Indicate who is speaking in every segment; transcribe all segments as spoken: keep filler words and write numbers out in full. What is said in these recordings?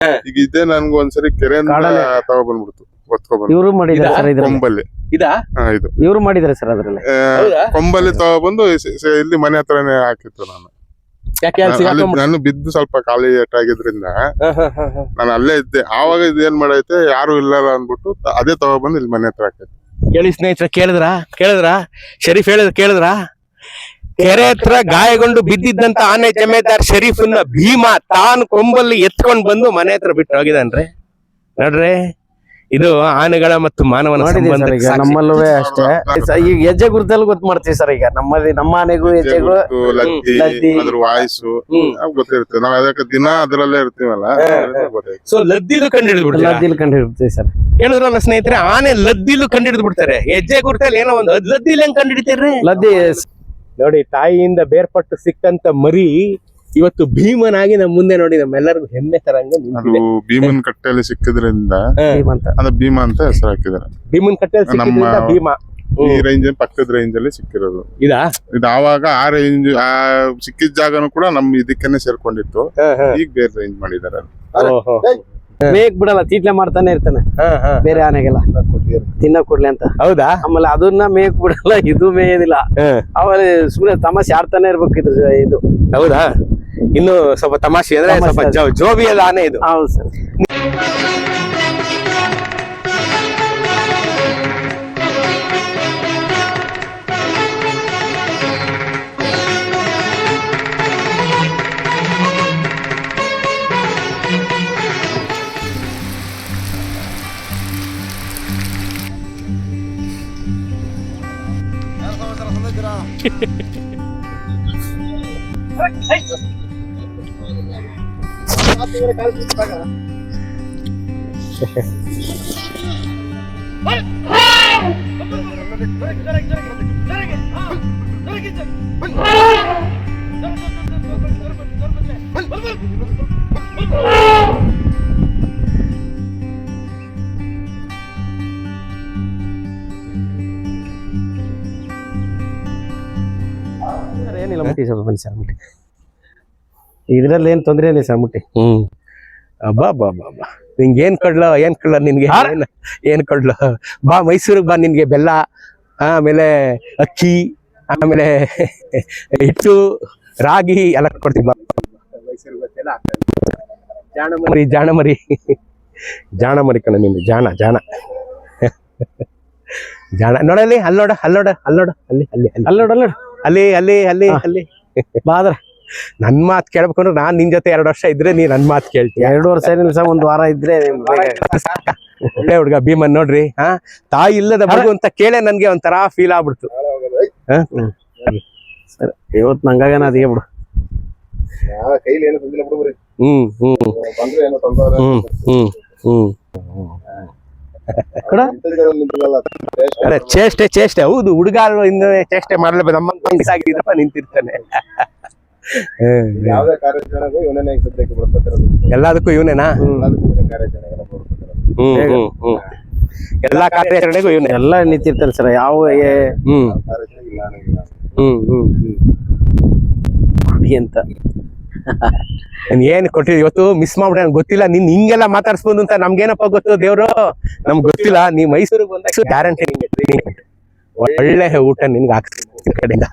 Speaker 1: ಈಗ ಇದೇ ನನ್ಗೆ ಒಂದ್ಸರಿ ಕೆರೆಯಿಂದ ತಗೊಬಂದ್ಬಿಡ್ತು ಒತ್ಕೊಬಂದು
Speaker 2: ಇವರು ಮಾಡಿದ್ದಾರೆ ಸರ್ ಇದ್ರಲ್ಲಿ
Speaker 1: ಕೊಂಬಲ್ಲಿ
Speaker 3: ಇದಾ
Speaker 1: ಹಾ ಇದು
Speaker 2: ಇವರು ಮಾಡಿದ್ದಾರೆ ಸರ್ ಅದ್ರಲ್ಲಿ
Speaker 3: ಹೌದಾ?
Speaker 1: ಕೊಂಬಲ್ಲಿ ತಗೊಬಂದು ಸ- ಸ- ಇಲ್ಲಿ ಮನೆ ಹತ್ರನೇ ಹಾಕಿತ್ತು ನಾನು
Speaker 3: ಯಾಕೆ ಅಲ್ಲಿ
Speaker 1: ಅಲ್ಲಿ
Speaker 3: ಸಿಗಾಕೊಂಡ್ಬಿಟ್ಟು-
Speaker 1: ನಾನು ಬಿದ್ದು ಸ್ವಲ್ಪ ಖಾಲಿ ಏಟಾಗಿದ್ರಿಂದ
Speaker 3: ಹ, ಹ, ಹ, ಹ.
Speaker 1: ನಾನು ಅಲ್ಲೇ ಇದ್ದೆ ಆವಾಗ ಇದೇನ್ ಮಾಡೈತೆ ಯಾರು ಇಲ್ಲ ಅಂದ್ಬಿಟ್ಟು ತ- ಅದೇ ತಗೊಬಂದು ಇಲ್ಲಿ ಮನೆ ಹತ್ರ ಹಾಕೈತೆ
Speaker 3: ಕೇಳಿ ಸ್ನೇಹಿತರ ಕೇಳಿದ್ರ ಕೇಳಿದ್ರ ಶರೀಫ್ ಹೇಳಿದ್ರ ಕೇಳಿದ್ರ ಕೆರೆ ಹತ್ರ ಗಾಯಗೊಂಡು ಬಿದ್ದಿದ್ದಂತ ಆನೆ ಜಮೇದಾರ್ ಶರೀಫನ್ನ ಭೀಮಾ ತಾನು ಕೊಂಬಲ್ಲಿ ಎತ್ಕೊಂಡ್ ಬಂದು ಮನೆ ಹತ್ರ ಬಿಟ್ಟು ಹೋಗಿದಾನ್ರಿ ನೋಡ್ರಿ ಇದು ಆನೆಗಳ ಮತ್ತು ಮಾನವನ
Speaker 2: ನೋಡಿದೀವಿ ಸರ್
Speaker 3: ಸಂಬಂಧಕ್ಕೆ
Speaker 2: ಈಗ
Speaker 3: ಸಾಕ್ಷಿ.
Speaker 2: ನಮ್ಮಲ್ಲೂ ಅಷ್ಟೇ ಸ- ಈಗ ಹೆಜ್ಜೆ ಗುರುತಲ್ಲಿ ಗೊತ್ತು ಮಾಡ್ತೀವಿ ಸರ್ ಈಗ ನಮ್ಮಲ್ಲಿ ನಮ್ಮ ಆನೆಗೂ ಹೆಜ್ಜೆಗೂ
Speaker 1: ಗೊತ್ತು, ಲದ್ದಿ
Speaker 2: ಲದ್ದಿ.
Speaker 1: ಅದ್ರ ವಾಯ್ಸು
Speaker 3: ಹ್ಮ್.
Speaker 1: ಗೊತ್ತಿರುತ್ತೆ ನಾವ್ ಅದಕ್ಕೆ ದಿನ ಅದ್ರಲ್ಲೇ ಇರ್ತೀವಲ್ಲ ಅದ್ರಿಂದ ಗೊತ್ತಾಯ್ತು.
Speaker 3: ಸೊ ಲದ್ದಿಲು ಕಂಡು ಹಿಡಿದು ಬಿಡ್ತಾರೆ
Speaker 2: ಲದ್ದಿಲ್ ಕಂಡು ಹಿಡ್ತೀವಿ ಸರ್
Speaker 3: ಹೇಳಿದ್ರಲ್ಲ ಸ್ನೇಹಿತರೆ ಆನೆ ಲದ್ದಿಲು ಕಂಡು ಹಿಡಿದು ಬಿಡ್ತಾರೆ ಹೆಜ್ಜೆ ಗುರುತಲ್ಲಿ ಏನೋ ಒಂದು ಅದ್ ಲದ್ದಿಲ್ ಹೆಂಗ್ ಕಂಡು ಹಿಡಿತೀರ್ರಿ
Speaker 2: ಲದ್ದಿ
Speaker 3: ನೋಡಿ ತಾಯಿಯಿಂದ ಬೇರ್ಪಟ್ಟು ಸಿಕ್ಕಂತ ಮರಿ ಇವತ್ತು ಭೀಮನಾಗಿ ನಮ್ಮ ಮುಂದೆ ನೋಡಿ ನಮ್ಮೆಲ್ಲರಿಗೂ ಹೆಮ್ಮೆ ತರಂಗೆ
Speaker 1: ಅದು
Speaker 3: ನಿಂತಿದೆ
Speaker 1: ಭೀಮನ್ ಕಟ್ಟೆಯಲ್ಲಿ ಸಿಕ್ಕಿದ್ರಿಂದ
Speaker 2: ಅಂತ
Speaker 1: ಅದು ಭೀಮ ಅಂತ ಹೆಸರು ಹಾಕಿದಾರೆ
Speaker 3: ಭೀಮನ್ ಕಟ್ಟೆಯಲ್ಲಿ ಸಿಕ್ಕಿದ್ರಿಂದ
Speaker 1: ನಮ್ಮ-
Speaker 3: ಭೀಮ
Speaker 1: ಈ ರೇಂಜ್ ಪಕ್ಕದ ರೇಂಜ್ ಅಲ್ಲಿ ಸಿಕ್ಕಿರೋದು
Speaker 3: ಇದಾ
Speaker 1: ಇದು ಆವಾಗ ಆ ರೇಂಜ್ ಆ ಸಿಕ್ಕಿದ ಜಾಗನು ಕೂಡ ನಮ್ ಇದಕ್ಕೇನೆ ಸೇರ್ಕೊಂಡಿತ್ತು ಈಗ ಬೇರೆ ರೇಂಜ್ ಮಾಡಿದಾರೆ
Speaker 3: ಓಹೋ.
Speaker 2: ಮೇಕ್ ಬಿಡಲ್ಲ ತೀಟ್ಲೆ ಮಾಡ್ತಾನೆ ಇರ್ತಾನೆ
Speaker 3: ಹ, ಹ.
Speaker 2: ಬೇರೆ ಆನೆಗೆಲ್ಲ ತಿನ್ನ ಕೊಡ್ಲಿ ಅಂತ
Speaker 3: ಹೌದಾ
Speaker 2: ಆಮೇಲೆ ಅದನ್ನ ಮೇಕ್ ಬಿಡಲ್ಲ ಇದು ಮೇಯೋದಿಲ್ಲ
Speaker 3: ಹ.
Speaker 2: ಆಮೇಲೆ ಸುಮ್ನೆ ತಮಾಷೆ ಆಡ್ತಾನೆ ಇರ್ಬೇಕು ಇದು ಇದು
Speaker 3: ಹೌದಾ ಇನ್ನು ಸ್ವಲ್ಪ ತಮಾಷೆ ಅಂದ್ರೆ
Speaker 2: ತಮಾಷೆ
Speaker 3: ಸ್ವಲ್ಪ
Speaker 2: ಅದು.
Speaker 3: ಜೋ- ಜೋಬಿಯದ ಆನೆ ಇದು
Speaker 2: ಹೌದು ಸರ್ ಸರ್ ಏನಿಲ್ಲ ಮುಟ್ಟಿ ಸ್ವಲ್ಪ ಬನ್ನಿ ಸರ್ ಮುಟ್ಟಿ ಇದ್ರಲ್ಲಿ ಏನ್ ತೊಂದ್ರೆ ಇಲ್ಲ ಸರ್ ಮುಟ್ಟಿ
Speaker 3: ಹ್ಮ್ ಅಬ್ಬಾ ಬಾ ಬಾ ಬಾ ನಿಂಗೆ ಏನ್ ಕೊಡ್ಲ ಏನ್ ಕೊಡ್ಲ ನಿನ್ಗೆ ಏನ್- ಏನ್ ಕೊಡ್ಲ ಬಾ ಮೈಸೂರಿಗೆ ಬಾ ನಿನ್ಗೆ ಬೆಲ್ಲ ಆಮೇಲೆ ಅಕ್ಕಿ ಆಮೇಲೆ ಹಿಟ್ಟು ರಾಗಿ ಎಲ್ಲ ಕೊಡ್ತೀವಿ ಬಾ ಜಾಣ ಮರಿ ಜಾಣ ಮರಿ ಜಾಣ ಮರಿ ಕಣ ನಿಂದು ಜಾಣ ಜಾಣ ಜಾಣ ನೋಡಲ್ಲಿ ಅಲ್ಲೋಡ ಅಲ್ಲೋಡ ಅಲ್ಲೋಡ ಅಲ್ಲಿ ಅಲ್ಲಿ ಅಲ್ಲಿ
Speaker 2: ಅಲ್ಲೋಡ್ ಅಲ್ಲೋಡ್
Speaker 3: ಅಲ್ಲಿ ಅಲ್ಲಿ ಅಲ್ಲಿ ಅಲ್ಲಿ
Speaker 2: ಬಾದ್ರ
Speaker 3: ನನ್ ಮಾತ್ ಕೇಳ್ಬೇಕಂದ್ರೆ ನಾನ್ ನಿನ್ ಜೊತೆ ಎರಡು ವರ್ಷ ಇದ್ರೆ ನೀ ನನ್ ಮಾತ್ ಕೇಳ್ತೀಯ
Speaker 2: ಎರಡು ವರ್ಷ ಏನಿಲ್ಲ ಸರ್ ಒಂದ್ ವಾರ ಇದ್ರೆ
Speaker 3: ಒಳ್ಳೆ ಹುಡ್ಗ ಭೀಮನ್ ನೋಡ್ರಿ ಹಾ ತಾಯಿ ಇಲ್ಲದ ಮಗು ಅಂತ ಕೇಳೇ ನನ್ಗೆ ಒಂಥರ ಫೀಲ್ ಆಗ್ಬಿಡ್ತು
Speaker 2: ಸರ್ ಇವತ್ತು ನಂಗಾಗನ ಅದಿಗೆ ಬಿಡು
Speaker 1: ಕೈಲಿ ಏನು ತಂದಿಲ್ಲ ಬಿಡು
Speaker 3: ಹ್ಮ್ ಹ್ಮ್
Speaker 1: ಬಂದ್ರೆ ಏನೋ ತಂದವ್ರೆ
Speaker 3: ಹ್ಮ್ ಹ್ಮ್ ಹ್ಮ್
Speaker 2: ಕೊಡ
Speaker 3: ಅದೇ ಚೇಷ್ಟೆ ಚೇಷ್ಟೆ ಹೌದು ಹುಡುಗ ಇನ್ನು ಚೇಷ್ಟೆ ಮಾಡಲೇಬೇಕು ನಮ್ಮ ಆಗಿದ್ರಪ್ಪ ನಿಂತಿರ್ತಾನೆ ಹ್ಮ್.
Speaker 1: ಯಾವ್ದೇ ಕಾರ್ಯಾಚರಣೆಗೂ ಇವನೇ ಸದ್ಯಕ್ಕೆ ಬರ್ತಿರೋದು
Speaker 3: ಎಲ್ಲದಕ್ಕೂ ಇವನೇನಾ
Speaker 1: ಕಾರ್ಯಾಚರಣೆಗೆಲ್ಲ ಬರ್ತಿರೋದು
Speaker 3: ಹ್ಮ್ ಹ್ಮ್ ಹ್ಮ್ ಎಲ್ಲಾ ಕಾರ್ಯಾಚರಣೆಗೂ ಇವನೇ
Speaker 2: ಎಲ್ಲ ನಿಂತಿರ್ತಾರೆ ಸರ್ ಯಾವ ಏ-
Speaker 3: ಹ್ಮ್
Speaker 1: ಕಾರ್ಯಾಚರಣೆ ಇಲ್ಲ ಅನ್ನಂಗಿಲ್ಲ
Speaker 3: ಹ್ಮ್ ಹ್ಮ್ ಹ್ಮ್
Speaker 2: ಕುಡಿ ಅಂತ
Speaker 3: ನಾನ್ ಏನ್ ಕೊಟ್ಟಿದ್ ಇವತ್ತು ಮಿಸ್ ಮಾಡ್ಬಿಟ್ಟೆ ನಂಗೆ ಗೊತ್ತಿಲ್ಲ ನಿನ್ ಹಿಂಗೆಲ್ಲ ಮಾತಾಡ್ಸ್ಬೋದು ಅಂತ ನಮ್ಗೇನಪ್ಪ ಗೊತ್ತು ದೇವ್ರು ನಮ್ಗೆ ಗೊತ್ತಿಲ್ಲ ನೀ ಮೈಸೂರಿಗೆ ಬಂದಾಗ ಗ್ಯಾರಂಟಿ ನಿಂಗೆ ಟ್ರೈನಿಂಗ್ ಒಳ್ಳೆ ಊಟ ನಿನ್ಗೆ ಹಾಕ್ತೀನಿ ಕಡೆಯಿಂದ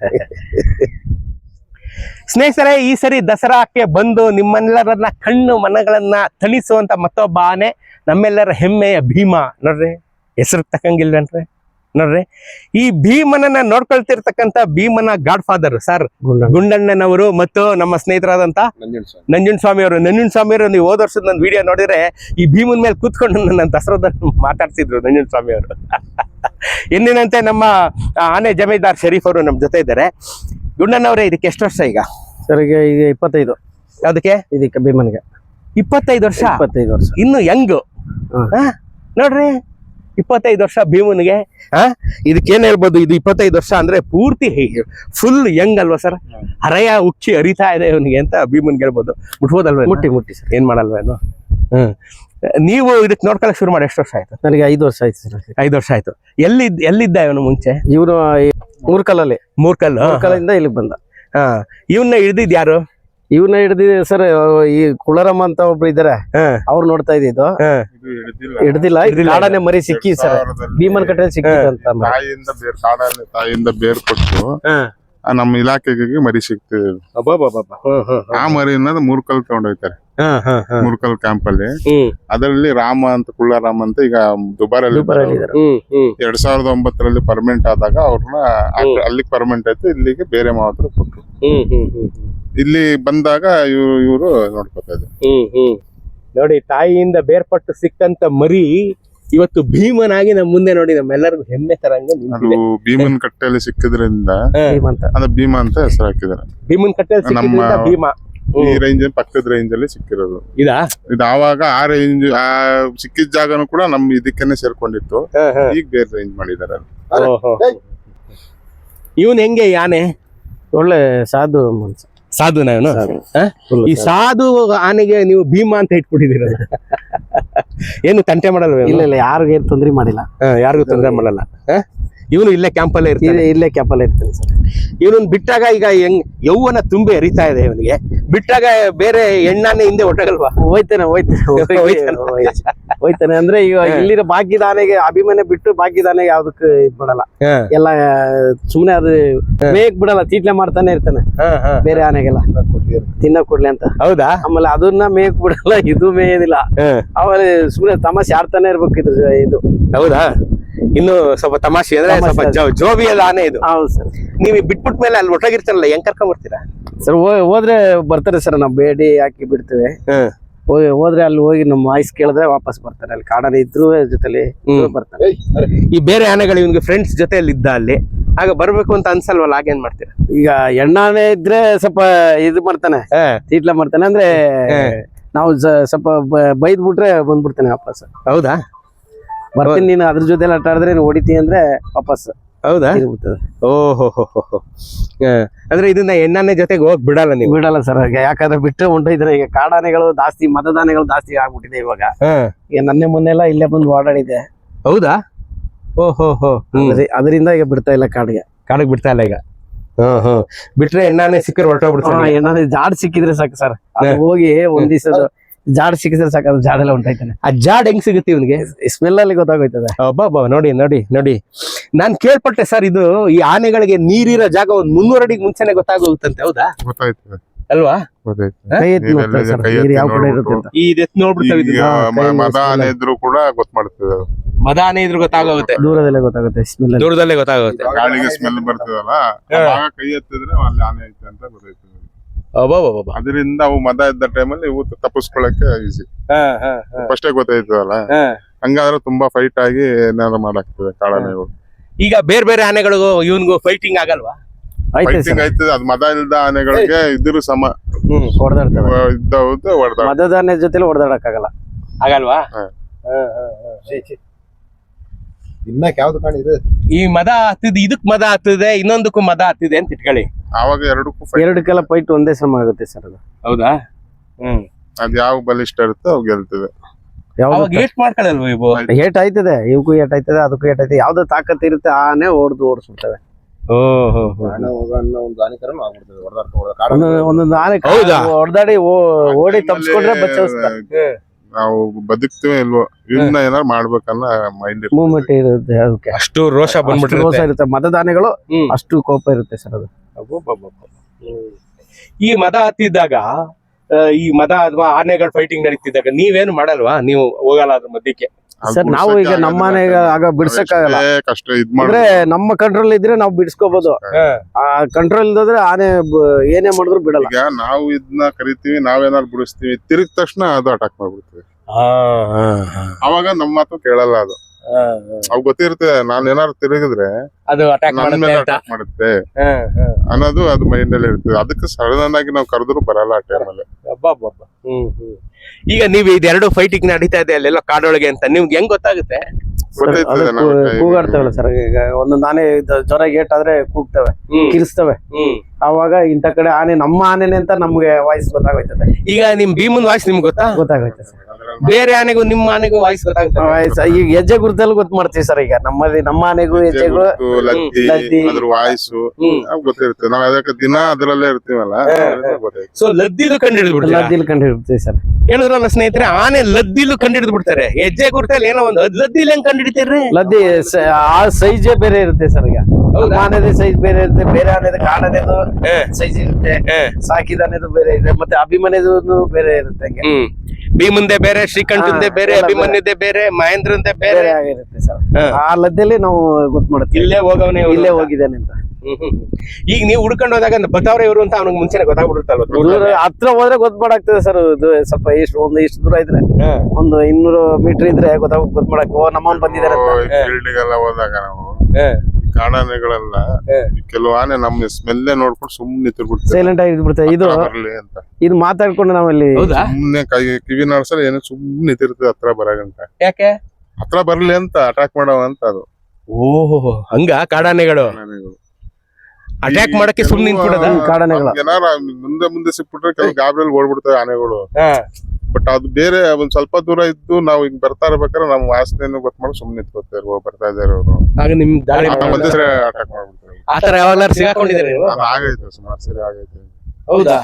Speaker 3: ಸ್ನೇಹಿತರೆ ಈ ಸರಿ ದಸರಾಕ್ಕೆ ಬಂದು ನಿಮ್ಮೆಲ್ಲರನ್ನ ಕಣ್ಣು ಮನಗಳನ್ನ ತಣಿಸುವಂತ ಮತ್ತೊಬ್ಬ ಆನೆ ನಮ್ಮೆಲ್ಲರ ಹೆಮ್ಮೆಯ ಭೀಮ ನೋಡ್ರಿ ಹೆಸರು ತಕ್ಕಂಗಿಲ್ವೇನ್ರಿ ನೋಡ್ರಿ ಈ ಭೀಮನನ್ನ ನೋಡ್ಕೊಳ್ತಿರ್ತಕ್ಕಂಥ ಭೀಮನ ಗಾಡ್ ಫಾದರ್ ಸರ್ ಗುಂಡಣ್ಣನವರು ಮತ್ತು ನಮ್ಮ ಸ್ನೇಹಿತರಾದಂತ ನಂಜುಂಡ ಸ್ವಾಮಿ ಅವರು ನಂಜುಂಡ ಸ್ವಾಮಿ ಅವರು ನೀವು ಹೋದ ವರ್ಷದ ನನ್ನ ವಿಡಿಯೋ ನೋಡಿದ್ರೆ ಈ ಭೀಮನ ಮೇಲೆ ಕೂತ್ಕೊಂಡು ನನ್ನ ದಸರಾದಲ್ಲಿ ಮಾತಾಡ್ತಿದ್ರು ನಂಜುಂಡ ಸ್ವಾಮಿ ಅವರು ಎಂದಿನಂತೆ ನಮ್ಮ ಆನೆ ಜಮೀದಾರ್ ಶರೀಫ್ ಅವರು ನಮ್ಮ ಜೊತೆ ಇದ್ದಾರೆ ಗುಂಡಣ್ಣವರೇ ಇದಕ್ಕೆ ಎಷ್ಟು ವರ್ಷ ಈಗ
Speaker 2: ಸರ್ ಈಗ ಈಗ ಇಪ್ಪತ್ತೈದು
Speaker 3: ಅದಕ್ಕೆ
Speaker 2: ಇದಕ್ಕೆ ಭೀಮನ್ಗೆ
Speaker 3: ಇಪ್ಪತ್ತೈದು ವರ್ಷ
Speaker 2: ಇಪ್ಪತ್ತೈದು ವರ್ಷ
Speaker 3: ಇನ್ನು ಯಂಗ್ ನೋಡ್ರಿ ಇಪ್ಪತ್ತೈದು ವರ್ಷ ಭೀಮನಿಗೆ ಆ ಇದಕ್ಕೆ ಏನ್ ಹೇಳ್ಬೋದು ಇದು ಇಪ್ಪತ್ತೈದು ವರ್ಷ ಅಂದ್ರೆ ಪೂರ್ತಿ ಫುಲ್ ಯಂಗ್ ಅಲ್ವಾ ಸರ್ ಹರೆಯ ಉಕ್ಕಿ ಹರಿತಾ ಇದೆ ಇವನಿಗೆ ಅಂತ ಭೀಮನ್ಗೆ ಹೇಳ್ಬೋದು ಮುಟ್ಬೋದಲ್ವ
Speaker 2: ಮುಟ್ಟಿ ಮುಟ್ಟಿ ಸರ್
Speaker 3: ಏನ್ ಮಾಡಲ್ವೇನು ಹ್ಮ್ ನೀವು ಇದಕ್ಕೆ ನೋಡ್ಕೊಳಕ್ ಶುರು ಮಾಡಿ ಎಷ್ಟು ವರ್ಷ ಆಯ್ತು
Speaker 2: ನನಗೆ ಐದು ವರ್ಷ ಆಯ್ತು ಸರ್
Speaker 3: ಐದು ವರ್ಷ ಆಯ್ತು ಎಲ್ಲಿದ್ ಎಲ್ಲಿದ್ದ ಇವನು ಮುಂಚೆ
Speaker 2: ಇವನು ಮೂರ್ಕಲ್ಲಲ್ಲಿ
Speaker 3: ಮೂರ್ಕಲ್ಲು
Speaker 2: ಮೂರ್ಕಲ್ಲಿಂದ ಇಲ್ಲಿಗೆ ಬಂದ
Speaker 3: ಹಾ ಇವನ್ನ ಹಿಡ್ದಿದ್ ಯಾರು
Speaker 2: ಇವನ್ನ ಹಿಡ್ದಿದೆ ಸರ್. ಈ ಕುಳರಮ್ಮ ಅಂತ ಒಬ್ರು ಇದಾರೆ,
Speaker 3: ಹಾ.
Speaker 2: ಅವ್ರು ನೋಡ್ತಾ ಇದ್ದಿದ್ದು.
Speaker 1: ಇದು ಹಿಡಿದಿಲ್ಲ.
Speaker 2: ಹಿಡ್ದಿಲ್ಲ, ಇದು ಕಾಡಾನೆ ಮರಿ ಸಿಕ್ಕಿ ಸರ್,
Speaker 1: ಸಾವಿರದಲ್ಲಿ
Speaker 2: ಭೀಮನ್ ಕಟ್ಟೆಯಲ್ಲಿ ಸಿಕ್ಕಿದೆ ಅಂತ ಮರಿ.
Speaker 1: ತಾಯಿಯಿಂದ ಬೇರ್ ಕಾಡಲ್ಲಿ ತಾಯಿಯಿಂದ ಬೇರ್ ಕೊಟ್ಟು
Speaker 3: ಹಾ.
Speaker 1: ಆ ನಮ್ಮ ಇಲಾಖೆಗೆ ಮರಿ ಸಿಗ್ತದೆ.
Speaker 3: ಅಬ್ಬಬ್ಬಬ್ಬ. ಹ್ಮ್ ಹ್ಮ್
Speaker 1: ಆ ಮರಿನ ಮೂರ್ಕಲ್ ತಗೊಂಡೋಗ್ತಾರೆ,
Speaker 3: ಹ್ಮ್ ಹ್ಮ್ ಹ್ಮ್
Speaker 1: ಮೂರ್ಕಲ್ ಕ್ಯಾಂಪ್ ಅಲ್ಲಿ.
Speaker 3: ಹ್ಮ್
Speaker 1: ಅದರಲ್ಲಿ ರಾಮ ಅಂತ ಕುಳ್ಳರಾಮ ಅಂತ ಈಗ ದುಬಾರಲ್ಲಿ
Speaker 2: ದುಬಾರಲ್ಲಿ ಇದಾರೆ.
Speaker 3: ಹ್ಮ್ ಹ್ಮ್
Speaker 1: ಎರಡ್ ಸಾವಿರದ ಒಂಬತ್ತರಲ್ಲಿ ಪರ್ಮನೆಂಟ್ ಆದಾಗ ಅವ್ರನ್ನ ಅಲ್ಲಿಗೆ ಪರ್ಮನೆಂಟ್ ಆಯ್ತು, ಇಲ್ಲಿಗೆ ಬೇರೆ ಮಾತ್ರ ಕೊಟ್ರು.
Speaker 3: ಹ್ಮ್ ಹ್ಮ್ ಹ್ಮ್
Speaker 1: ಇಲ್ಲಿ ಬಂದಾಗ ಇವ್ರು ಇವರು ನೋಡ್ಕೊತಾ ಇದ್ರು.
Speaker 3: ಹ್ಮ್ ಹ್ಮ್ ನೋಡಿ, ತಾಯಿಯಿಂದ ಬೇರ್ಪಟ್ಟು ಸಿಕ್ಕಂತ ಮರಿ ಇವತ್ತು ಭೀಮನಾಗಿ ನಮ್ಮ ಮುಂದೆ ನೋಡಿ ನಮ್ಮೆಲ್ಲರಿಗೂ ಹೆಮ್ಮೆ ತರಂಗೆ
Speaker 1: ಅದು
Speaker 3: ನಿಂತಿದೆ.
Speaker 1: ಭೀಮನ್ ಕಟ್ಟೆಯಲ್ಲಿ ಸಿಕ್ಕಿದ್ರಿಂದ
Speaker 2: ಭೀಮ್ ಅಂತ.
Speaker 1: ಅದು ಭೀಮ ಅಂತ ಹೆಸರು ಹಾಕಿದಾರೆ.
Speaker 3: ಭೀಮನ್ ಕಟ್ಟೆಯಲ್ಲಿ ಸಿಕ್ಕಿದ್ರಿಂದ
Speaker 1: ನಮ್ಮ-
Speaker 3: ಭೀಮ.
Speaker 1: ಈ ರೇಂಜ್ ಪಕ್ಕದ ರೇಂಜ್ ಅಲ್ಲಿ ಸಿಕ್ಕಿರೋದು
Speaker 3: ಇದಾ?
Speaker 1: ಇದು ಆವಾಗ ಆ ರೇಂಜ್ ಆ ಸಿಕ್ಕಿದ ಜಾಗನು ಕೂಡ ನಮ್ ಇದಕ್ಕೇನೆ ಸೇರ್ಕೊಂಡಿತ್ತು.
Speaker 3: ಹಾ, ಹಾ.
Speaker 1: ಈಗ ಬೇರೆ ರೇಂಜ್ ಮಾಡಿದಾರೆ.
Speaker 3: ಓಹೋ. ಇವನ್ ಹೆಂಗೆ ಈ ಆನೆ?
Speaker 2: ಒಳ್ಳೆ ಸಾಧು ಮನ್ಸ.
Speaker 3: ಸಾಧು ನಾನು
Speaker 2: ಸಾಧು.
Speaker 3: ಈ
Speaker 2: Full ಸಾಧು.
Speaker 3: ಸಾಧು ಆನೆಗೆ ನೀವು ಭೀಮ ಅಂತ ಇಟ್ಬಿಟ್ಟಿದ್ದೀರ. ಏನು ತಂಟೆ ಮಾಡಲ್ವ?
Speaker 2: ಇಲ್ಲ ಇಲ್ಲ, ಯಾರಿಗೂ ಏನ್ ತೊಂದ್ರೆ ಮಾಡಿಲ್ಲ.
Speaker 3: ಯಾರಿಗೂ ತೊಂದರೆ ಮಾಡಲ್ಲ. ಇವನು ಇಲ್ಲೇ ಕ್ಯಾಂಪಲ್ಲೇ ಇರ್ತಾನೆ.
Speaker 2: ಇಲ್ಲೇ- ಇಲ್ಲೇ ಕ್ಯಾಪಲ್ಲಿ ಇರ್ತೀನಿ ಸರ್.
Speaker 3: ಇವನನ್ನ ಬಿಟ್ಟಾಗ ಈಗ ಹೆಂಗ್ ಯೌವನ ತುಂಬಿ ಹರಿತಾ ಇದೆ ಇವನಿಗೆ, ಬಿಟ್ಟಾಗ ಬೇರೆ ಎಣ್ಣಾನೆ ಹಿಂದೆ ಒಟ್ಟಗಲ್ವಾ?
Speaker 2: ಹೋಯ್ತಾನೆ ಹೋಯ್ತಾನೆ
Speaker 3: ಹೋಯ್ತಾನೆ.
Speaker 2: ಹೋಯ್ತಾನೆ ಅಂದ್ರೆ ಈಗ ಇಲ್ಲಿರೋ ಭಾಗ್ಯದ ಆನೆಗೆ ಅಭಿಮಾನ ಬಿಟ್ಟು ಭಾಗ್ಯದ ಆನೆಗೆ ಯಾವ್ದಕ್ ಇದ್ ಮಾಡಲ್ಲ.
Speaker 3: ಹಾ,
Speaker 2: ಎಲ್ಲ ಸುಮ್ನೆ ಅದು ಮೇಯಕ್ ಬಿಡಲ್ಲ, ತೀಟ್ಲೆ ಮಾಡ್ತಾನೆ ಇರ್ತಾನೆ
Speaker 3: ಹಾ, ಹಾ.
Speaker 2: ಬೇರೆ ಆನೆಗೆಲ್ಲ ತಿನ್ನಕ್ ಕೊಡ್ಲಿ ಅಂತ.
Speaker 3: ಹೌದಾ?
Speaker 2: ಆಮೇಲೆ ಅದನ್ನ ಮೇಯಕ್ ಬಿಡಲ್ಲ, ಇದು ಮೇಯೋದಿಲ್ಲ.
Speaker 3: ಹಾ.
Speaker 2: ಆಮೇಲೆ ಸುಮ್ನೆ ತಮಾಷೆ ಆಡ್ತಾನೆ ಇರ್ಬೇಕು ಇದು ಇದು.
Speaker 3: ಹೌದಾ? ಇನ್ನು ಸ್ವಲ್ಪ ತಮಾಷೆ ಅಂದ್ರೆ
Speaker 2: ತಮಾಷೆ
Speaker 3: ಸ್ವಲ್ಪ
Speaker 2: ಅದೇ.
Speaker 3: ಜೋ- ಜೋಬಿಯದ ಆನೆ ಇದು.
Speaker 2: ಹೌದು ಸರ್.
Speaker 3: ನೀವು ಬಿಟ್ಬಿಟ್ ಮೇಲೆ ಅಲ್ಲಿ ಒಟ್ಟಾಗಿರ್ತಾರಲ್ಲ, ಹೆಂಗ್ ಕರ್ಕೊಂಡ್ ಬರ್ತೀರಾ?
Speaker 2: ಸರ್ ಹೋದ್ರೆ ಬರ್ತಾರೆ ಸರ್, ನಾವು ಬೇಡಿ ಹಾಕಿ ಬಿಡ್ತೇವೆ.
Speaker 3: ಹ್ಮ್.
Speaker 2: ಹೋಗಿ ಹೋದ್ರೆ ಅಲ್ಲಿ ಹೋಗಿ ನಮ್ಮ ವಾಯ್ಸ್ ಕೇಳಿದ್ರೆ ವಾಪಸ್ ಬರ್ತಾರೆ. ಅಲ್ಲಿ ಕಾಡಾನೆ ಇದ್ರು ಜೊತೆಲಿ
Speaker 3: ಹ್ಮ್.
Speaker 2: ಬರ್ತಾರೆ.
Speaker 3: ಈ ಬೇರೆ ಆನೆಗಳು ಇವನ್ಗೆ ಫ್ರೆಂಡ್ಸ್ ಜೊತೆಯಲ್ಲಿ ಇದ್ದ ಅಲ್ಲಿ, ಆಗ ಬರ್ಬೇಕು ಅಂತ ಅನ್ಸಲ್ವಲ್ಲ, ಆಗೇನ್ ಮಾಡ್ತೀರಾ?
Speaker 2: ಈಗ ಎಣ್ಣಾನೆ ಇದ್ರೆ ಸ್ವಲ್ಪ ಇದು ಮಾಡ್ತಾನೆ,
Speaker 3: ಹಾ.
Speaker 2: ತೀಟ್ಲ ಮಾಡ್ತಾನೆ. ಅಂದ್ರೆ
Speaker 3: ಹಾ.
Speaker 2: ನಾವು ಸ- ಸ್ವಲ್ಪ ಬ- ಬೈದ್ ಬಿಟ್ರೆ ಬಂದ್ಬಿಡ್ತಾನೆ ವಾಪಸ್.
Speaker 3: ಹೌದಾ?
Speaker 2: ಬರ್ತೀನಿ ನೀನು ಅದ್ರ ಜೊತೆ ಆಟ ಆಡಿದ್ರೆ ನೀನು ಹೊಡಿತೀನಿ ಅಂದ್ರೆ ವಾಪಸ್
Speaker 3: ಹೌದಾ?
Speaker 2: ಇರ್ಬಿಡ್ತದೆ.
Speaker 3: ಓಹೋ. ಅಂದ್ರೆ ಇದನ್ನ ಎಣ್ಣಾನೆ ಜೊತೆಗೆ ಹೋಗ್ ಬಿಡಲ್ಲ ನೀವು?
Speaker 2: ಬಿಡಲ್ಲ ಸರ್, ಯಾಕಂದ್ರೆ ಬಿಟ್ಟು ಹೊಂಟೋಯ್ತಾರೆ. ಈಗ ಕಾಡಾನೆಗಳು ಜಾಸ್ತಿ, ಮತದಾನೆಗಳು ಜಾಸ್ತಿ ಆಗ್ಬಿಟ್ಟಿದೆ ಇವಾಗ.
Speaker 3: ಹಾ.
Speaker 2: ಈಗ ನನ್ನೆ ಮೊನ್ನೆಲ್ಲ ಇಲ್ಲೇ ಬಂದು ಓಡಾಡಿದೆ.
Speaker 3: ಹೌದಾ? ಓಹೋ ಹೋ.
Speaker 2: ಅದ್ರಿ- ಅದರಿಂದ ಈಗ ಬಿಡ್ತಾ ಇಲ್ಲ ಕಾಡಿಗೆ.
Speaker 3: ಕಾಡಿಗೆ ಬಿಡ್ತಾ ಇಲ್ಲ ಈಗ. ಹ್ಮ್ ಹ್ಮ್ ಬಿಟ್ರೆ ಎಣ್ಣಾನೆ ಸಿಕ್ಕರ್ ಹೊರಟೋಗ್ಬಿಡ್ತಾನೆ.
Speaker 2: ಏನಾದ್ರು ಜಾಡ್ ಸಿಕ್ಕಿದ್ರೆ ಸಾಕು ಸರ್, ಅದು ಹೋಗಿ ಒಂದ್ ದಿವಸ ಜಾಡ್ ಸಿಕ್ಕಿದ್ರೆ ಸಾಕು, ಅದು ಜಾಡೆಲ್ಲ ಹೊಂಟೈತಾನೆ.
Speaker 3: ಆ ಜಾಡ್ ಹೆಂಗ್ ಸಿಗುತ್ತೆ ಇವನ್ಗೆ?
Speaker 2: ಸ್ಮೆಲ್ ಅಲ್ಲಿ ಗೊತ್ತಾಗೋಯ್ತದೆ.
Speaker 3: ಅಬ್ಬಬ್ಬ, ನೋಡಿ ನೋಡಿ ನೋಡಿ, ನಾನ್ ಕೇಳ್ಪಟ್ಟೆ ಸರ್, ಇದು ಈ ಆನೆಗಳಿಗೆ ನೀರಿರೋ ಜಾಗ ಒಂದ್ ಮುನ್ನೂರು ಅಡಿಗೆ ಮುಂಚೆನೆ ಗೊತ್ತಾಗೋಗುತ್ತಂತೆ. ಹೌದಾ?
Speaker 1: ಗೊತ್ತಾಯ್ತದೆ
Speaker 3: ಅಲ್ವಾ?
Speaker 1: ಗೊತ್ತಾಯ್ತದೆ.
Speaker 2: ಕೈ ಎತ್ತಿ
Speaker 1: ನೀರೆಲ್ಲ
Speaker 2: ನೋಡ್ತಾರೆ ಸರ್,
Speaker 1: ಕೈ
Speaker 2: ನೀರು
Speaker 1: ಎತ್ತಿ
Speaker 2: ಯಾವ ಕಡೆ ಇರುತ್ತೆ
Speaker 1: ನೋಡ್ಬಿಟ್ಟು.
Speaker 2: ಅಂತ.
Speaker 3: ಈ ಎತ್ ನೋಡ್ಬಿಡ್ತಾವೆ
Speaker 1: ಈಗ
Speaker 2: ಹಾ,
Speaker 1: ಮ-
Speaker 2: ಕೈ
Speaker 1: ಮದ
Speaker 2: ಸ್ಮೆಲ್
Speaker 1: ಆನೆ ಇದ್ರು ಕೂಡ ಗೊತ್ತ ಮಾಡ್ತದೆ.
Speaker 3: ಮದ ಆನೆ ಇದ್ರು ಗೊತ್ತಾಗೋಗುತ್ತೆ,
Speaker 2: ದೂರದಲ್ಲೇ ಗೊತ್ತಾಗುತ್ತೆ ಸ್ಮೆಲ್ ಅಲ್ಲಿ.
Speaker 3: ದೂರದಲ್ಲೇ ಗೊತ್ತಾಗುತ್ತೆ.
Speaker 1: ಗಾಳಿಗೆ ಸ್ಮೆಲ್ ಬರ್ತದಲ್ಲ,
Speaker 3: ಹಾ.
Speaker 1: ಆಗ ಕೈ ಎತ್ತಿದ್ರೆ ಅಲ್ಲಿ ಆನೆ ಐತೆ ಅಂತ ಗೊತ್ತಾಯ್ತದೆ.
Speaker 3: ಅಬ್ಬಬ್ಬಬ್ಬ.
Speaker 1: ಅದರಿಂದ ಅವು ಮದ ಇದ್ದ ಟೈಮಲ್ಲಿ ಇವು ತಪ್ಪಿಸ್ಕೊಳಕ್ಕೆ ಈಸಿ.
Speaker 3: ಹಾ, ಹಾ, ಹಾ.
Speaker 1: ಫಸ್ಟೇ ಗೊತ್ತಾಯ್ತದಲ್ಲ,
Speaker 3: ಹಾ.
Speaker 1: ಹಂಗಾದ್ರೆ ತುಂಬಾ ಫೈಟ್ ಆಗಿ ಏನಾದ್ರು ಮಾಡಾಕ್ತದೆ ಕಾಡಾನೆಗಳು.
Speaker 3: ಈಗ ಬೇರೆ ಬೇರೆ ಆನೆಗಳಿಗೂ ಇವನ್ಗೂ ಫೈಟಿಂಗ್ ಆಗಲ್ವಾ?
Speaker 2: ಆಯ್ತು
Speaker 1: ಫೈಟಿಂಗ್
Speaker 2: ಸರ್,
Speaker 1: ಆಯ್ತದೆ. ಅದು ಮದ ಇಲ್ದ ಆನೆಗಳಿಗೆ ಇದ್ರ ಸಮ
Speaker 3: ಹ್ಮ್.
Speaker 2: ಹೊಡೆದಾಡ್ತವೆ.
Speaker 1: ಇದ್ದವ್ದು ಹೊಡೆದ.
Speaker 2: ಮತದಾನೆ ಜೊತೆಲಿ ಹೊಡೆದಾಡಕ್ ಆಗಲ್ಲ.
Speaker 3: ಆಗಲ್ವಾ?
Speaker 1: ಹಾ.
Speaker 3: ಹಾ, ಹಾ, ಹಾ.
Speaker 4: ಇನ್ನ ಯಾವ್ದು ಕಾಣಿದೆ
Speaker 3: ಈ ಮದ ಹತ್ತಿದ್ ಇದಕ್ ಮದ ಹತ್ತಿದೆ, ಇನ್ನೊಂದಕ್ಕೂ ಮದ ಹತ್ತಿದೆ ಅಂತ ಇಟ್ಕೊಳ್ಳಿ.
Speaker 1: ಆವಾಗ ಎರಡಕ್ಕೂ fight.
Speaker 2: ಎರಡಕ್ಕೆಲ್ಲ ಫೈಟ್ ಒಂದೇ ಸಮ ಆಗುತ್ತೆ ಸರ್. ಅದು
Speaker 3: ಹೌದಾ? ಹ್ಮ್.
Speaker 1: ಅದ್ ಯಾವ ಬಲಿಷ್ಠ ಇರುತ್ತೋ ಅವ್ ಗೆಲ್ತದೆ.
Speaker 3: ಅವಾಗ
Speaker 2: ಯಾವ್ದು
Speaker 3: ಏಟ್ ಮಾಡ್ಕೊಳ್ಳಲ್ವ ಇವು?
Speaker 2: ಏಟ್ ಆಯ್ತದೆ, ಇವಕ್ಕೂ ಏಟ್ ಆಯ್ತದೆ, ಅದಕ್ಕೂ ಏಟ್ ಆಯ್ತದೆ. ಯಾವ್ದು ತಾಕತ್ ಇರುತ್ತೆ ಆನೆ ಓಡ್ದು ಓಡಿಸ್ಬಿಡ್ತವೆ.
Speaker 3: ಓ ಹೋ ಹೋ.
Speaker 4: ಹಣ ಹೋಗ ಅನ್ನೋ ಒಂದು ಹಾನಿಕರನು ಆಗ್ಬಿಡ್ತದೆ ಹೊಡೆದಾಡ್ತಾ ಹೊಡೆದ ಕಾಡ
Speaker 2: ಒಂದೊಂದು ಒಂದೊಂದು ಆನೆ
Speaker 3: ಹೌದಾ?
Speaker 2: ಹೊಡೆದಾಡಿ ಓಡಿ ತಪ್ಪಿಸ್ಕೊಂಡ್ರೆ ಬಚಾವಿಸ್ತಾರೆ.
Speaker 1: ನಾವು ಬದುಕ್ತೀವೋ ಇಲ್ವೋ ಇದನ್ನ ಏನಾರು ಮಾಡ್ಬೇಕನ್ನ ಮೈಂಡ್
Speaker 2: ಮೂವ್ಮೆಂಟ್ ಇರುತ್ತೆ ಅದಕ್ಕೆ.
Speaker 3: ಅಷ್ಟು ರೋಷ
Speaker 2: ಅಷ್ಟು ರೋಷ
Speaker 3: ಬಂದ್ಬಿಟ್ಟಿರುತ್ತೆ.
Speaker 2: ಇರುತ್ತೆ. ಮತದಾನೆಗಳು
Speaker 3: ಹ್ಮ್.
Speaker 2: ಅಷ್ಟು ಕೋಪ ಇರುತ್ತೆ ಸರ್. ಅದು
Speaker 3: ಅಬ್ಬಬ್ಬಬ್ಬ. ಈ ಮದ ಹತ್ತಿದ್ದಾಗ, ಆ, ಈ ಮದ ಅಥವಾ ಆನೆಗಳ ಫೈಟಿಂಗ್ ನಡೀತಿದ್ದಾಗ ನೀವೇನು ಮಾಡಲ್ವಾ? ನೀವು ಹೋಗಲ್ಲ ಅದ್ರ ಮಧ್ಯಕ್ಕೆ?
Speaker 2: ಸರ್ ನಾವು ಈಗ ನಮ್ಮ ಮನೆಗೆ ಆಗ ಬಿಡ್ಸಕ್ಕಾಗಲ್ಲ.
Speaker 1: ಕಷ್ಟ ಇದ್
Speaker 2: ಅಂದ್ರೆ
Speaker 1: ಮಾಡಿದ್ರೆ
Speaker 2: ನಮ್ಮ ಕಂಟ್ರೋಲ್ ಇದ್ರೆ ನಾವು ಬಿಡಿಸ್ಕೋಬಹುದು. ಆ ಕಂಟ್ರೋಲ್ ಇಲ್ಲದ್ರೆ ಆನೆ ಬ- ಏನೇ ಮಾಡಿದ್ರು ಬಿಡಲ್ಲ.
Speaker 1: ಈಗ ನಾವು ಇದನ್ನ ಕರಿತೀವಿ, ನಾವೇನಾರು ಬಿಡಿಸ್ತೀವಿ, ತಿರುಗ್ ತಕ್ಷಣ ಅದು ಅಟ್ಯಾಕ್ ಮಾಡ್ಬಿಡ್ತೀವಿ. ಅವಾಗ ನಮ್ಮ ಮಾತು ಕೇಳಲ್ಲ. ಅದು ಅವ್ ಗೊತ್ತಿರ್ತದೆ, ನಾನ್ ಏನಾರು ತಿರುಗಿದ್ರೆ
Speaker 3: ಅದು ಅಟ್ಯಾಕ್
Speaker 1: ನನ್ನ
Speaker 3: ಮಾಡುತ್ತೆ
Speaker 1: ಮೇಲೆ
Speaker 3: ಅಂತ.
Speaker 1: ಅಟ್ಯಾಕ್ ಮಾಡುತ್ತೆ ಅನ್ನೋದು ಅದು ಮೈಂಡ್ ಅಲ್ಲಿ ಇರ್ತದೆ. ಅದಕ್ಕೆ ಸಡನ್ ಆಗಿ ನಾವು ಕರೆದ್ರು ಬರಲ್ಲ ಆ ಟೈಮಲ್ಲಿ.
Speaker 3: ಅಬ್ಬಬ್ಬಬ್ಬ. ಹ್ಮ್ ಹ್ಮ್. ಈಗ ನೀವು ಇದೆರಡು ಫೈಟಿಂಗ್ ನಡೀತಾ ಇದೆ ಅಲ್ಲೆಲ್ಲ ಕಾಡೊಳಗೆ ಅಂತ ನಿಮ್ಗೆ ಹೆಂಗ್ ಗೊತ್ತಾಗುತ್ತೆ?
Speaker 1: ಗೊತ್ತಾಯ್ತದೆ
Speaker 2: ಅದು
Speaker 1: ನಾವು
Speaker 2: ಕೂ- ಕೂಗಾಡ್ತೇವಲ್ಲ ಸರ್. ಈಗ ಒಂದೊಂದು ಆನೆ ಇದು ಜ್ವರ ಏಟ್ ಆದ್ರೆ ಕೂಗ್ತವೆ,
Speaker 3: ಹ್ಮ್
Speaker 2: ಕಿರಿಸ್ತವೆ.
Speaker 3: ಹ್ಮ್
Speaker 2: ಅವಾಗ ಇಂಥ ಕಡೆ ಆನೆ ನಮ್ಮ ಆನೆನೆ ಅಂತ ನಮ್ಗೆ ವಾಯ್ಸ್ ಗೊತ್ತಾಗೋಯ್ತದೆ.
Speaker 3: ಈಗ ನಿಮ್ ಭೀಮನ್ ವಾಯ್ಸ್ ನಿಮ್ಗೆ ಗೊತ್ತಾ?
Speaker 2: ಗೊತ್ತಾಗೋಯ್ತದೆ ಸರ್.
Speaker 3: ಬೇರೆ ಆನೆಗೂ ನಿಮ್ಮ ಆನೆಗೂ ವಾಯ್ಸ್ ಗೊತ್ತಾಗುತ್ತೆ.
Speaker 2: ವಾಯ್ಸ್ ಈಗ ಹೆಜ್ಜೆ ಗುರುತಲ್ಲಿ ಗೊತ್ತು ಮಾಡ್ತೀವಿ ಸರ್. ಈಗ ನಮ್ಮಲ್ಲಿ ನಮ್ಮ ಆನೆಗೂ ಹೆಜ್ಜೆಗೂ
Speaker 1: ಲದ್ದಿ
Speaker 2: ಲದ್ದಿ.
Speaker 1: ಅದ್ರ ವಾಯ್ಸು ಗೊತ್ತಿರುತ್ತೆ. ನಾವ್ ಅದಕ್ಕೆ ದಿನ ಅದ್ರಲ್ಲೇ ಇರ್ತೀವಲ್ಲ, ಗೊತ್ತಾಯ್ತು.
Speaker 3: ಸೊ ಲದ್ದಿಲು ಕಂಡು ಹಿಡಿದು ಬಿಡ್ತಾರೆ.
Speaker 2: ಲದ್ದಿಲ್ ಕಂಡು ಹಿಡ್ತೀವಿ ಸರ್.
Speaker 3: ಹೇಳಿದ್ರಲ್ಲ ಸ್ನೇಹಿತರೆ, ಆನೆ ಲದ್ದಿಲು ಕಂಡು ಹಿಡಿದು ಬಿಡ್ತಾರೆ. ಹೆಜ್ಜೆ ಗುರುತಲ್ಲಿ ಏನೋ ಒಂದು ಲದ್ದಿಲ್ ಹೆಂಗ್ ಕಂಡು ಹಿಡಿತೀರಿ?
Speaker 2: ಲದ್ದಿ ಸ- ಆ ಸೈಜೇ ಬೇರೆ ಇರುತ್ತೆ ಸರ್. ಈಗ ನಮ್ಮ ಆನೆದ ಸೈಜ್ ಬೇರೆ ಇರುತ್ತೆ, ಬೇರೆ ಆನೆದ ಕಾಡನೆದು ಸೈಜ್ ಇರುತ್ತೆ, ಸಾಕಿದ ಆನೆದು ಬೇರೆ ಇದೆ, ಮತ್ತೆ ಅಭಿಮನ್ಯದು ಬೇರೆ ಇರುತ್ತೆ. ಹಂಗೆ
Speaker 3: ಹ್ಮ್ ಭೀಮಂದೆ ಬೇರೆ, ಶ್ರೀಕಂಠಂದೆ
Speaker 2: ಹಾ,
Speaker 3: ಬೇರೆ,
Speaker 2: ಎಲ್ಲ ಬೇರೆ.
Speaker 3: ಅಭಿಮನ್ಯುದೆ ಬೇರೆ, ಮಹೇಂದ್ರಂದೆ ಬೇರೆ.
Speaker 2: ಬೇರೆ ಆಗಿರುತ್ತೆ ಸರ್.
Speaker 3: ಹಾ.
Speaker 2: ಆ ಲದ್ದಲ್ಲಿ ನಾವು ಗೊತ್ತು ಮಾಡುತ್ತೀವಿ
Speaker 3: ಇಲ್ಲೇ ಹೋಗವನೇ ಇವ್ನು
Speaker 2: ಇಲ್ಲೇ
Speaker 3: ಅಂತ.
Speaker 2: ಹೋಗಿದ್ದಾನೆ ಅಂತ.
Speaker 3: ಹ್ಮ್ ಹ್ಮ್. ಈಗ ನೀವು ಹುಡ್ಕೊಂಡು ಹೋದಾಗ ಬತ್ತವ್ರೆ ಇವರು ಅಂತ ಅವ್ನಿಗೆ ಮುಂಚೆನೆ ಗೊತ್ತಾಗ್ಬಿಡುತ್ತಲ್ವ?
Speaker 2: ದೂರ ಹತ್ರ ಹೋದ್ರೆ ಗೊತ್ತು ಮಾಡಾಗ್ತದೆ ಸರ್. ಇದು ಸ್ವಲ್ಪ ಇಷ್ಟು ಒಂದು ಇಷ್ಟು ದೂರ ಇದ್ರೆ, ಒಂದು ಇನ್ನೂರು ಮೀಟರ್ ಇದ್ರೆ ಗೊತ್ತಾಗ ಗೊತ್ತು ಮಾಡಕ್ ಓ ನಮ್ಮನ್ ಬಂದಿದ್ದಾರೆ ಅಂತ.
Speaker 1: ಫೀಲ್ಡ್ಗೆಲ್ಲ ಹೋದಾಗ ನಾವು ಈ ಕಾಡಾನೆಗಳೆಲ್ಲ ಈ ಕೆಲವು ಆನೆ ನಮ್ಮ ಸ್ಮೆಲ್ಲೇ ನೋಡ್ಕೊಂಡು ಸುಮ್ನೆ ನಿಂತಿರ್ಬಿಡ್ತಾರೆ,
Speaker 2: ಸೈಲೆಂಟ್ ಆಗಿ ಇದ್ಬಿಡ್ತದೆ. ಇದು
Speaker 1: ಬರ್ಲಿ ಅಂತ.
Speaker 2: ಇದು ಮಾತಾಡ್ಕೊಂಡು ನಾವಲ್ಲಿ
Speaker 3: ಹೌದಾ?
Speaker 1: ಸುಮ್ನೆ ಕೈ ಕಿವಿ ನಾಡ್ಸಲ್ಲ, ಏನೋ ಸುಮ್ನೆ ನಿಂತಿರ್ತದೆ ಹತ್ರ ಬರಗಂಟ.
Speaker 3: ಯಾಕೆ?
Speaker 1: ಹತ್ರ ಬರ್ಲಿ ಅಂತ ಅಟ್ಯಾಕ್ ಮಾಡವ ಅಂತ ಅದು
Speaker 3: ಓಹೋ, ಹಂಗ ಕಾಡಾನೆಗಳು
Speaker 1: ಆನೆಗಳು.
Speaker 3: ಅಟ್ಯಾಕ್ ಮಾಡಕ್ಕೆ ಸುಮ್ನೆ ನಿಂತ್ಬಿಡದ?
Speaker 2: ಹ್ಮ್, ಕಾಡಾನೆಗಳು.
Speaker 1: ನಮ್ಗೆ ಏನಾರ ಮುಂದೆ ಮುಂದೆ ಸಿಕ್ಬಿಟ್ರೆ ಕೆಲವು ಗಾಬರಿಯಲ್ಲಿ ಓಡ್ಬಿಡ್ತವೆ ಆನೆಗಳು. ಬಟ್ ಅದು ಬೇರೆ ಒಂದ್ ಸ್ವಲ್ಪ ದೂರ ಇದ್ದು ನಾವು ಹಿಂಗ್ ಬರ್ತಾ ಇರ್ಬೇಕಾದ್ರೆ ನಮ್ ವಾಸನೆಯನ್ನು ಗೊತ್ತ ಮಾಡಿ ಸುಮ್ನೆ ನಿಂತ್ಕೊತಾರೆ, ಓ ಬರ್ತಾ ಇದಾರೆ ಅವರು,
Speaker 3: ಆಗ ನಿಮ್ ದಾರಿ
Speaker 1: ಒಂದೇ ಸರಿ ಅಟ್ಯಾಕ್ ಮಾಡ್ಬಿಡ್ತಾರೆ.
Speaker 3: ಆತರ ಯಾವಾಗ್ಲಾರು ಸಿಗಾಕೊಂಡಿದ್ದೀರಿ ನೀವು?
Speaker 1: ಅದು ಆಗೈತೆ, ಸುಮಾರು ಸರಿ ಆಗೈತೆ.
Speaker 3: ಹೌದಾ?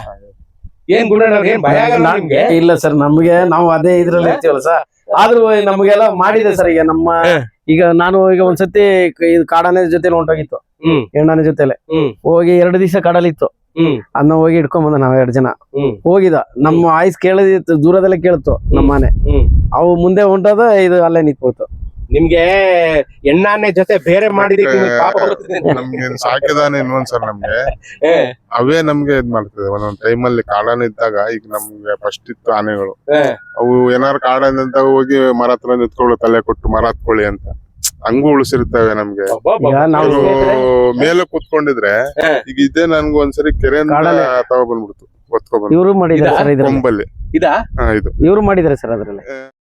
Speaker 3: ಏನ್ ಗುಣ ಏನ್ ಭಯ ಆಗಲ್ಲ ನಿಮ್ಗೆ?
Speaker 2: ಇಲ್ಲ ಸರ್, ನಮ್ಗೆ ನಾವು ಅದೇ ಇದ್ರಲ್ಲಿ ಇರ್ತೀವಲ್ಲ ಸರ್. ಆದ್ರೂ ನಮ್ಗೆಲ್ಲ ಮಾಡಿದೆ ಸರ್. ಈಗ ನಮ್ಮ ಈಗ ನಾನು ಈಗ ಒಂದ್ಸತಿ ಕ- ಇದು ಕಾಡಾನೆ ಜೊತೆಲಿ ಹೊಂಟೋಗಿತ್ತು,
Speaker 3: ಹ್ಮ್
Speaker 2: ಹೆಣ್ಣಾನೆ ಜೊತೆಲೆ
Speaker 3: ಹ್ಮ್
Speaker 2: ಹೋಗಿ ಎರಡು ದಿವಸ ಕಡಲಿತ್ತು.
Speaker 3: ಹ್ಮ್
Speaker 2: ಅದನ್ನ ಹೋಗಿ ಇಟ್ಕೊಂಡ್ ಬಂದ ನಾವ್ ಎರಡು ಜನ
Speaker 3: ಹ್ಮ್
Speaker 2: ಹೋಗಿದ. ನಮ್ಮ ವಾಯ್ಸ್ ಕೇಳದಿತ್ತು, ದೂರದಲ್ಲೇ ಕೇಳ್ತು ನಮ್ಮ ಆನೆ.
Speaker 3: ಹ್ಮ್
Speaker 2: ಅವು ಮುಂದೆ ಹೊಂಟದ, ಇದು ಅಲ್ಲೇ ನಿಂತ್ಕೋತು.
Speaker 3: ನಿಮ್ಗೆ ಎಣ್ಣಾನೆ ಜೊತೆ ಬೇರೆ ಮಾಡಿದಕ್ಕೆ ನಿಮ್ಗೆ ಪಾಪ ಬರ್ತದೆ.
Speaker 1: ನಮ್ಗೆ ಸಾಕಿದಾನೆ ಇನ್ನೊಂದ್ಸಲ ನಮ್ಗೆ
Speaker 3: ಹೇ,
Speaker 1: ಅವೇ ನಮ್ಗೆ ಇದ್ ಮಾಡ್ತದೆ. ಒಂದೊಂದ್ ಟೈಮಲ್ಲಿ ಕಾಡಾನೆ ಇದ್ದಾಗ ಈಗ ನಮ್ಗೆ ಫಸ್ಟ್ ಇತ್ತು ಆನೆಗಳು,
Speaker 3: ಹೇ.
Speaker 1: ಅವು ಏನಾರು ಕಾಡಾನೆ ಅಂತ ಹೋಗಿ ಮರ ಹತ್ರ ನಿಂತ್ಕೊಳ್ಳು, ತಲೆ ಕೊಟ್ಟು ಮರ ಹತ್ಕೊಳ್ಳಿ ಅಂತ, ಹಂಗೂ ಉಳಿಸಿರ್ತವೆ ನಮ್ಗೆ.
Speaker 3: ಅಬ್ಬಬ್ಬಬ್ಬ.
Speaker 2: ಈಗ ನಾವು
Speaker 1: ಅವ್ರು ಮೇಲೆ ಕೂತ್ಕೊಂಡಿದ್ರೆ
Speaker 3: ಹೇ.
Speaker 1: ಈಗ ಇದೇ ನನ್ಗೆ ಒಂದ್ಸರಿ ಕೆರೆಯಿಂದ
Speaker 2: ಕಾಡಾನೆ.
Speaker 1: ತಗೊ ಬಂದ್ಬಿಡ್ತು, ಒತ್ಕೊ ಬಂದು
Speaker 2: ಇವರು ಮಾಡಿದ್ದಾರೆ ಸರ್ ಇದ್ರಲ್ಲಿ.
Speaker 1: ಕೊಂಬಲ್ಲಿ.
Speaker 3: ಇದಾ?
Speaker 1: ಹಾ ಇದು
Speaker 2: ಇವರು ಮಾಡಿದ್ದಾರೆ ಸರ್ ಅದ್ರಲ್ಲಿ.